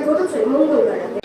ঘটেছে মঙ্গলবার রাতে।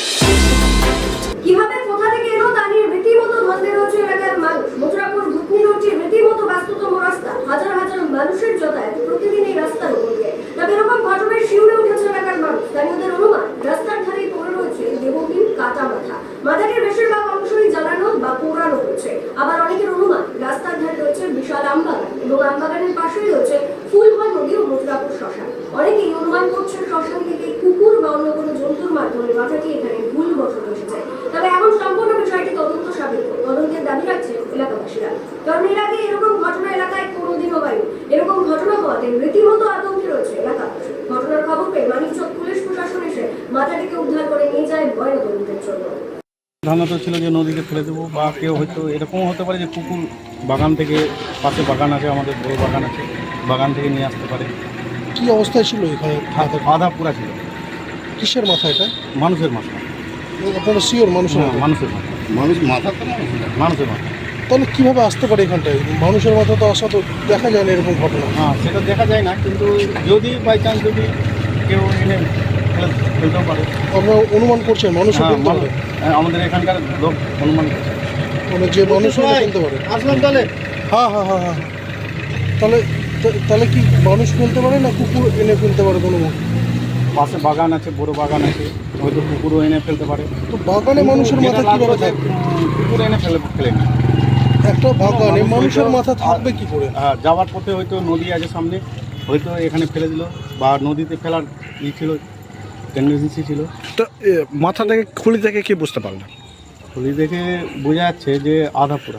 কিভাবে কোথা থেকে এলো তা নিয়ে রীতিমতো ধন্দে রয়েছে এলাকার মানুষ। মথুরাপুর ভুতনি রোডটি রীতিমতো ব্যস্ততম রাস্তা, হাজার হাজার মানুষের যাতায়াত প্রতিদিন এই রাস্তার উপর দিয়ে। তবে এরকম ঘটনায় শিউরে উঠেছে এলাকার মানুষ। স্থানীয়দের অনুমান, রাস্তার ধারে পড়ে রয়েছে দেবহীন কাটা মাথা। মাথাটির বেশিরভাগ অংশই জ্বালানো বা পোড়ানো হয়েছে। আবার অনেকের অনুমান, রাস্তার ধারে রয়েছে বিশাল আমবাগান এবং আমবাগানের পাশেই রয়েছে ফুলহর নদী ও মথুরাপুর শ্মশান। অনেকেই অনুমান করছে শ্মশান থেকে কুকুর বা অন্য কোনো জন্তুর মাধ্যমে মাথাটি এখানে ভুলবশত এসেছে। তবে এখন সম্পূর্ণ বিষয়টি তদন্ত সাপেক্ষ, তদন্তের দাবি রাখছে এলাকাবাসীরা। কারণ এর আগে এরকম ঘটনা এলাকায় কোনোদিনও হয়নি। এরকম ঘটনা হওয়াতে রীতিমতো আতঙ্কে রয়েছে এলাকাবাসী। ঘটনার খবর পেয়ে মানিকচক পুলিশ প্রশাসন এসে মাথাটিকে উদ্ধার করে নিয়ে যায় ময়নাতদন্তের জন্য। ধারণাটা ছিল যে নদীতে ফেলে দেবো, বা কেউ হয়তো এরকমও হতে পারে যে কুকুর বাগান থেকে, পাশে বাগান আছে, আমাদের বড় বাগান আছে, বাগান থেকে নিয়ে আসতে পারে। কি অবস্থায় ছিল এখানে? আধা পুরা ছিল। কিসের মাথা এটা? মানুষের মাথা। আপনারা শিওর মানুষের মাথা? মানুষের মাথা। মানুষের মাথা। তাহলে কিভাবে আসতে পারে এখানটায়? মানুষের মাথা তো আসা তো দেখা যায় না এরকম ঘটনা। হ্যাঁ, সেটা দেখা যায় না, কিন্তু যদি বাই চান্স যদি কেউ এনে ফেলতেও পারে। আপনারা অনুমান করছেন মানুষের ফেলতে পারে? আমাদের এখানকার লোক অনুমান করছে মানে যে মানুষ ফেলতে পারে। আসলাম তাহলে। হ্যাঁ হ্যাঁ হ্যাঁ হ্যাঁ। তাহলে তাহলে কি মানুষ ফেলতে পারে না কুকুর এনে ফেলতে পারে? কোনো পাশে বাগান আছে, বড় বাগান আছে, হয়তো কুকুরও এনে ফেলতে পারে। তো বাগানে মানুষের মাথা কিভাবে থাকবে? কুকুর এনে ফেলেনি। একটা বাগানে মানুষের মাথা থাকবে কি করে? যাওয়ার পথে হয়তো নদী আছে সামনে, হয়তো এখানে ফেলে দিল, বা নদীতে ফেলার ছিল, টেন্ডেন্সি ছিল। তো মাথা থেকে খুলি থেকে কি বুঝতে পারলেন? খুলি দেখে বোঝা যাচ্ছে যে আধা পুরা।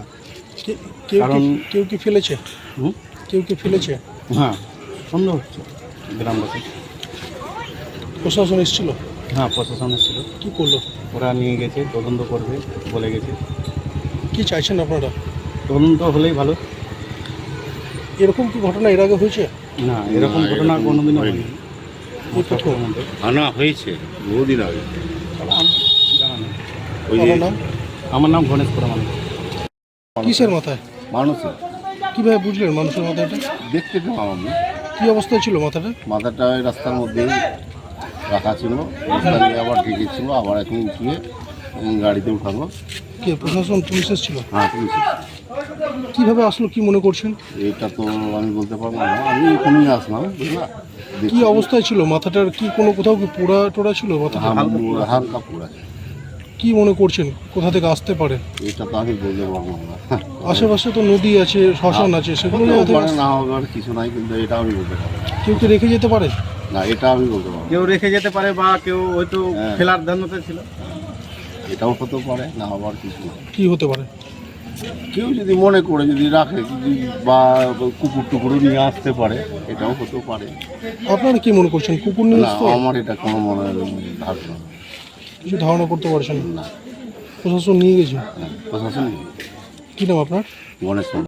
কেউ কি ফেলেছে? কেউ কি ফেলেছে? হ্যাঁ, সন্দেহ হচ্ছে গ্রামবাসী। প্রশাসন এসেছিল? হ্যাঁ, প্রশাসন এসেছিল। কি করলো? ওরা নিয়ে গেছে, তদন্ত করবে বলে গেছে। কি চাইছেন আপনারা? তদন্ত হলেই ভালো। এরকম কি ঘটনা এর আগে হয়েছে? না, এরকম ঘটনা কোনোদিনও হয়নি। আনা হয়েছে বহুদিন আগে। জানা নেই। আমার নাম? আমার নাম গণেশ পরমান। কিসের মাথায়? মানুষের কিভাবে বুঝলেন মানুষের মাথাটা? দেখতে পেলাম আমি। কি অবস্থায় ছিল মাথাটা? মাথাটা ওই রাস্তার মধ্যেই রাখা ছিল, রাস্তা নিয়ে আবার ঢেকেছিল, আবার এখন উঠিয়ে গাড়িতে উঠাবো। কে প্রশাসন পুলিশ এসেছিল? হ্যাঁ, পুলিশ কিভাবে আসলো কি মনে করছেন? এটা তো আমি বলতে পারবো না, আমি এখানেই আসলাম, বুঝলা। কি অবস্থায় ছিল মাথাটার? কি কোনো কোথাও কি পোড়া টোড়া ছিল মাথাটা? হালকা পোড়া। কি মনে করছেন কোথা থেকে আসতে পারে? এটা তো আমি বলতে পারবো না। আশেপাশে তো নদী আছে, শ্মশান আছে, সেগুলো না হবার কিছু নাই, কিন্তু এটা আমি বলতে পারবো না। কেউ কি রেখে যেতে পারে? না, এটা আমি বলতে পারবো না। কেউ রেখে যেতে পারে, বা কেউ হয়তো ফেলার ধারণাতে ছিল। এটাও হতে পারে, না হবার কিছু না। কি হতে পারে? কেউ যদি মনে করে যদি রাখে, যদি বা কুকুর টুকুরও নিয়ে আসতে পারে, এটাও হতে পারে। আপনারা কি মনে করছেন কুকুর নিয়ে না, আসতো? আমার এটা কোনো মনে ধারণা কিছু ধারণা করতে পারছেন না। প্রশাসন নিয়ে গেছে? প্রশাসন কি নাম আপনার? গণেশ।